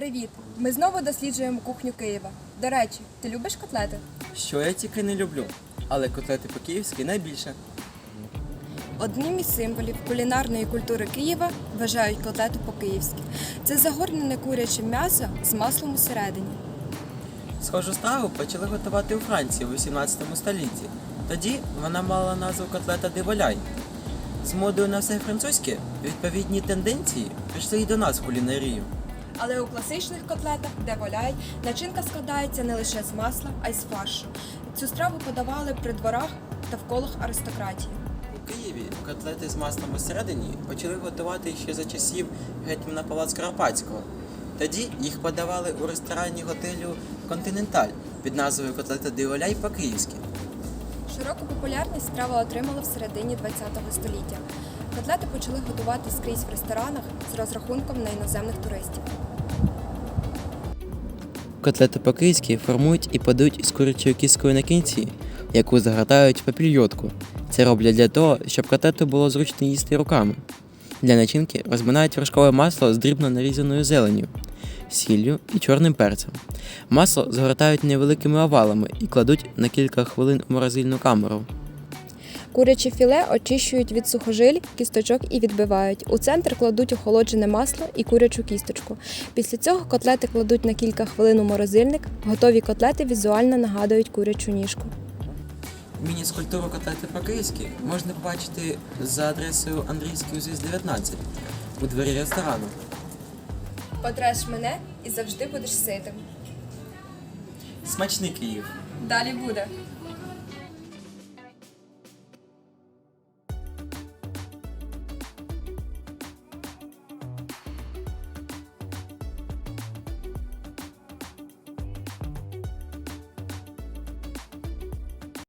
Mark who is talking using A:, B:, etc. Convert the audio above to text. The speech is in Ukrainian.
A: Привіт! Ми знову досліджуємо кухню Києва. До речі, ти любиш котлети?
B: Що я тільки не люблю, але котлети по-київськи найбільше.
A: Одним із символів кулінарної культури Києва вважають котлету по-київськи. Це загорнене куряче м'ясо з маслом усередині.
B: Схожу страву почали готувати у Франції у 18 столітті. Тоді вона мала назву котлета де воляй. З модою на все французьке відповідні тенденції прийшли і до нас в кулінарію.
A: Але у класичних котлетах, де воляй, начинка складається не лише з масла, а й з фаршу. Цю страву подавали при дворах та в колах аристократії.
B: У Києві котлети з маслом усередині почали готувати ще за часів гетьмана Павла Скоропадського. Тоді їх подавали у ресторані готелю «Континенталь» під назвою котлета де воляй по-київськи.
A: Широку популярність страва отримала в середині ХХ століття. Котлети почали готувати скрізь в ресторанах з розрахунком на іноземних туристів.
B: Котлети по-київськи формують і подають із курячою кісткою на кінці, яку загортають в папільйотку. Це роблять для того, щоб котлету було зручно їсти руками. Для начинки розминають вершкове масло з дрібно нарізаною зеленню, сіллю і чорним перцем. Масло згортають невеликими овалами і кладуть на кілька хвилин у морозильну камеру.
A: Куряче філе очищують від сухожиль, кісточок і відбивають. У центр кладуть охолоджене масло і курячу кісточку. Після цього котлети кладуть на кілька хвилин у морозильник. Готові котлети візуально нагадують курячу ніжку.
B: Міні-скульптуру котлети по-київськи можна побачити за адресою Андрійський узвіз 19 у дворі ресторану.
A: Потреш мене і завжди будеш ситим.
B: Смачний Київ!
A: Далі буде.